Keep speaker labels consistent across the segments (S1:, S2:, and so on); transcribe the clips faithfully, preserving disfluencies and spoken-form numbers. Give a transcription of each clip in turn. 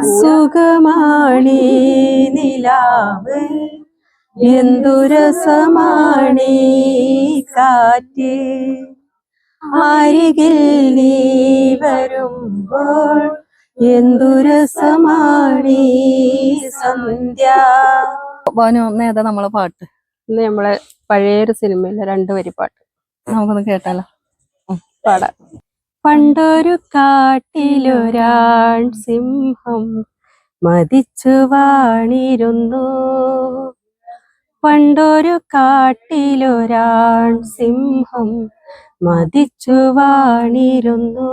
S1: സുഖമാണി നിലാവ് എന്തുരസമാണി കാറ്റ് അരികിൽ നീ വരുമ്പോൾ എന്തുരസമാണി സന്ധ്യ.
S2: ഭാനു ഏതാ നമ്മളെ പാട്ട്?
S1: ഇന്ന് നമ്മളെ പഴയൊരു സിനിമയിലെ രണ്ടു വരി പാട്ട്
S2: നമുക്കൊന്ന് കേട്ടാലോ?
S1: പാടാം. പണ്ടൊരു കാട്ടിലൊരാൺ സിംഹം മതിച്ചു വാണിരുന്നു. പണ്ടൊരു കാട്ടിലൊരാൺ സിംഹം മതിച്ചു വാണിരുന്നു.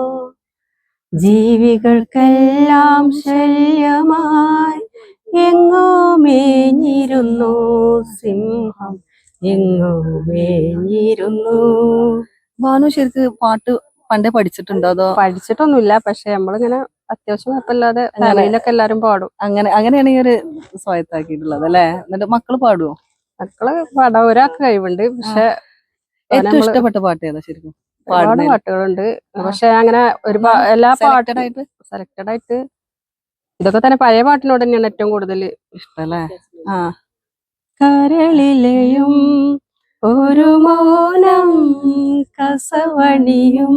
S1: ജീവികൾക്കെല്ലാം ശല്യമായി എങ്ങോ മേഞ്ഞിരുന്നു സിംഹം, എങ്ങോ മേഞ്ഞിരുന്നു.
S2: ഭാനു ശരിക്ക് പാട്ട് പണ്ടേ പഠിച്ചിട്ടുണ്ടോ? അതോ?
S1: പഠിച്ചിട്ടൊന്നുമില്ല, പക്ഷെ നമ്മളിങ്ങനെ അത്യാവശ്യം കുഴപ്പമില്ലാതെ ഫാമിലിയിലൊക്കെ എല്ലാരും പാടും.
S2: അങ്ങനെ അങ്ങനെയാണ് ഈ ഒരു സ്വായത്താക്കിയിട്ടുള്ളത് അല്ലെ? എന്നിട്ട് മക്കള് പാടുവോ?
S1: മക്കള് പാടാൻ ഒരാൾക്ക് കഴിവുണ്ട്, പക്ഷെ
S2: ഏറ്റവും ഇഷ്ടപ്പെട്ട പാട്ട് ഏതാ ശരിക്കും?
S1: ഒരുപാട് പാട്ടുകളുണ്ട്, പക്ഷെ അങ്ങനെ ഒരു എല്ലാ പാട്ടും സെലക്റ്റഡ് ആയിട്ട് ഇതൊക്കെ തന്നെ പഴയ പാട്ടിനോട് തന്നെയാണ് ഏറ്റവും കൂടുതൽ
S2: ഇഷ്ടം അല്ലേ? ആ.
S1: കരളിലെയും ഒരു മൗനം കസവണിയും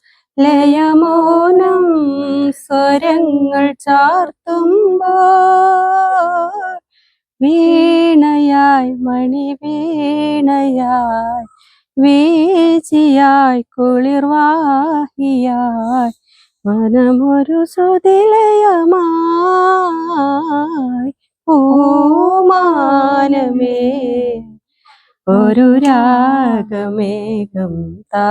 S1: ലയമൗനം സ്വരങ്ങൾ ചാർത്തുമ്പോൾ വീണയായി മണി വീണയായി വീചിയായി കുളിർവാഹിയായി മനമൊരു ശ്രുതിലയമായി പൂമാനമേ ഒരു രാഗമേഘം താ.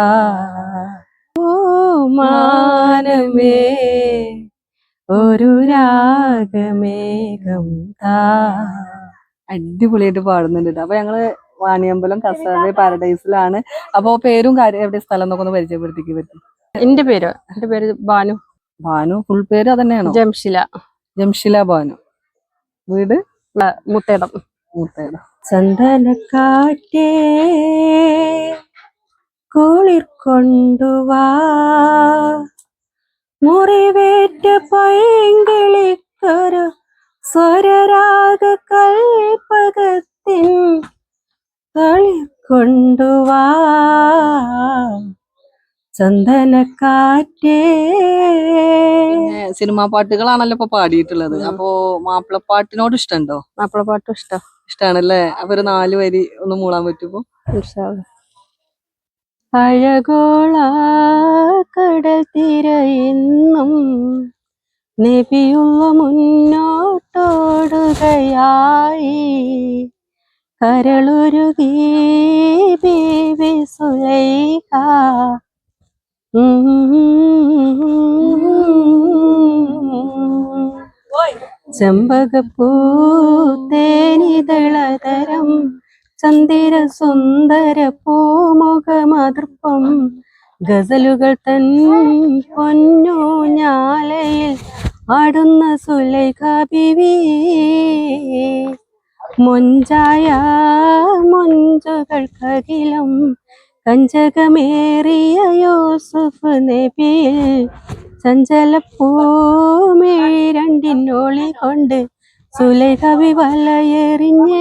S1: പൂമാനമേ ഒരു രാഗമേഘം താ.
S2: അടിപൊളിയായിട്ട് പാടുന്നുണ്ട്. അപ്പൊ ഞങ്ങള് വാണിയമ്പലം കസാബ് പാരഡൈസിലാണ്. അപ്പൊ പേരും കാര്യം എവിടെ സ്ഥലം എന്നൊക്കെ ഒന്ന് പരിചയപ്പെടുത്തിക്ക് പറ്റും?
S1: എന്റെ പേരോ? എന്റെ പേര് ഭാനു.
S2: ഭാനു ഫുൾ പേര് അതന്നെയാണോ?
S1: ജംഷില.
S2: ജംഷില ഭാനു. വീട്
S1: മുത്തേടം.
S2: മുത്തേടം.
S1: ചന്ദനക്കാറ്റേ കുളിർ കൊണ്ടുവാ, മുറിവേറ്റ പൈങ്കിളിക്കൊരു സ്വരരാഗ കൽപ്പകത്തിൻ കളിർ കൊണ്ടുവാ. ചന്ദനക്കാറ്റേ.
S2: സിനിമാ പാട്ടുകളാണല്ലോ ഇപ്പൊ പാടിയിട്ടുള്ളത്. അപ്പൊ മാപ്പിളപ്പാട്ടിനോട് ഇഷ്ടമുണ്ടോ?
S1: മാപ്പിളപ്പാട്ടും ഇഷ്ടം
S2: ഇഷ്ടാണല്ലേ? അപ്പൊ ഒരു നാല് വരി ഒന്ന് മൂളാൻ പറ്റുമോ?
S1: അഴകോള കടൽ തിരയിന്നും നബിയുള്ള മുന്നോട്ടോടുകയായി കരളുരുകി ബീബി സുലൈഖ. ചെമ്പകപ്പൂ തേനിതളതരം ചന്ദിര സുന്ദര പൂമുഖമതൃപ്പം ഗസലുകൾ തൻ പൊന്നു ഞാലയിൽ ആടുന്ന സുലൈഖ ബീവി. മൊഞ്ചായ മൊഞ്ചുകൾക്കകിലും കഞ്ചകമേറിയ യൂസുഫ് നബിയിൽ ചഞ്ചലപ്പൂമിഴി രണ്ടിനോളി കൊണ്ട് സുലൈഖ ബി വലയെറിഞ്ഞേ.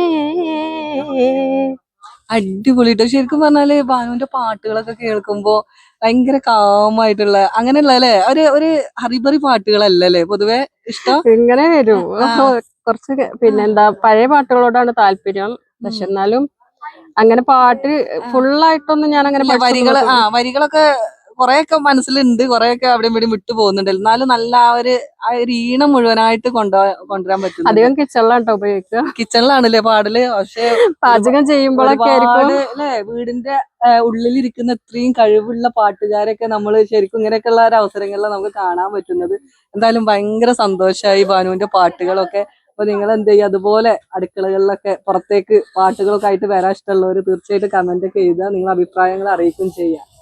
S2: അടിപൊളിട്ടോ. ശരിക്കും പറഞ്ഞാല് ഭാനുവിന്റെ പാട്ടുകളൊക്കെ കേൾക്കുമ്പോ ഭയങ്കര കാമായിട്ടുള്ള അങ്ങനെയുള്ള അല്ലെ, ഒരു ഒരു ഹറിബറി പാട്ടുകളല്ലേ പൊതുവെ ഇഷ്ടം?
S1: ഇങ്ങനെ വരും കുറച്ച്. പിന്നെന്താ, പഴയ പാട്ടുകളോടാണ് താല്പര്യം, പക്ഷെ എന്നാലും അങ്ങനെ പാട്ട് ഫുള്ളായിട്ടൊന്നും ഞാൻ അങ്ങനെ
S2: വരികള് ആ വരികളൊക്കെ കൊറേയൊക്കെ മനസ്സിലുണ്ട്, കൊറേയൊക്കെ അവിടെ ഇവിടെ വിട്ടു പോകുന്നുണ്ട്. എന്നാലും നല്ല ആ ഒരു ആ ഒരു ഈണം മുഴുവനായിട്ട് കൊണ്ടു കൊണ്ടുവരാൻ പറ്റും.
S1: അധികം കിച്ചണിലാട്ടോ ഉപയോഗിക്കുക.
S2: കിച്ചണിലാണല്ലേ പാടല്? പക്ഷെ
S1: പാചകം ചെയ്യുമ്പോഴൊക്കെ
S2: അല്ലെ വീടിന്റെ ഉള്ളിലിരിക്കുന്ന ഇത്രയും കഴിവുള്ള പാട്ടുകാരൊക്കെ നമ്മൾ ശരിക്കും ഇങ്ങനെയൊക്കെയുള്ള ഒരു അവസരങ്ങളിൽ നമുക്ക് കാണാൻ പറ്റുന്നത്. എന്തായാലും ഭയങ്കര സന്തോഷമായി ഭാനുവിന്റെ പാട്ടുകളൊക്കെ. അപ്പൊ നിങ്ങൾ എന്ത് ചെയ്യുക, അതുപോലെ അടുക്കളകളിലൊക്കെ പുറത്തേക്ക് പാട്ടുകളൊക്കെ ആയിട്ട് വരാൻ ഇഷ്ടമുള്ളവർ തീർച്ചയായിട്ടും കമന്റ് ഒക്കെ എഴുതുക, നിങ്ങളുടെ അഭിപ്രായങ്ങൾ അറിയിക്കുകയും ചെയ്യുക.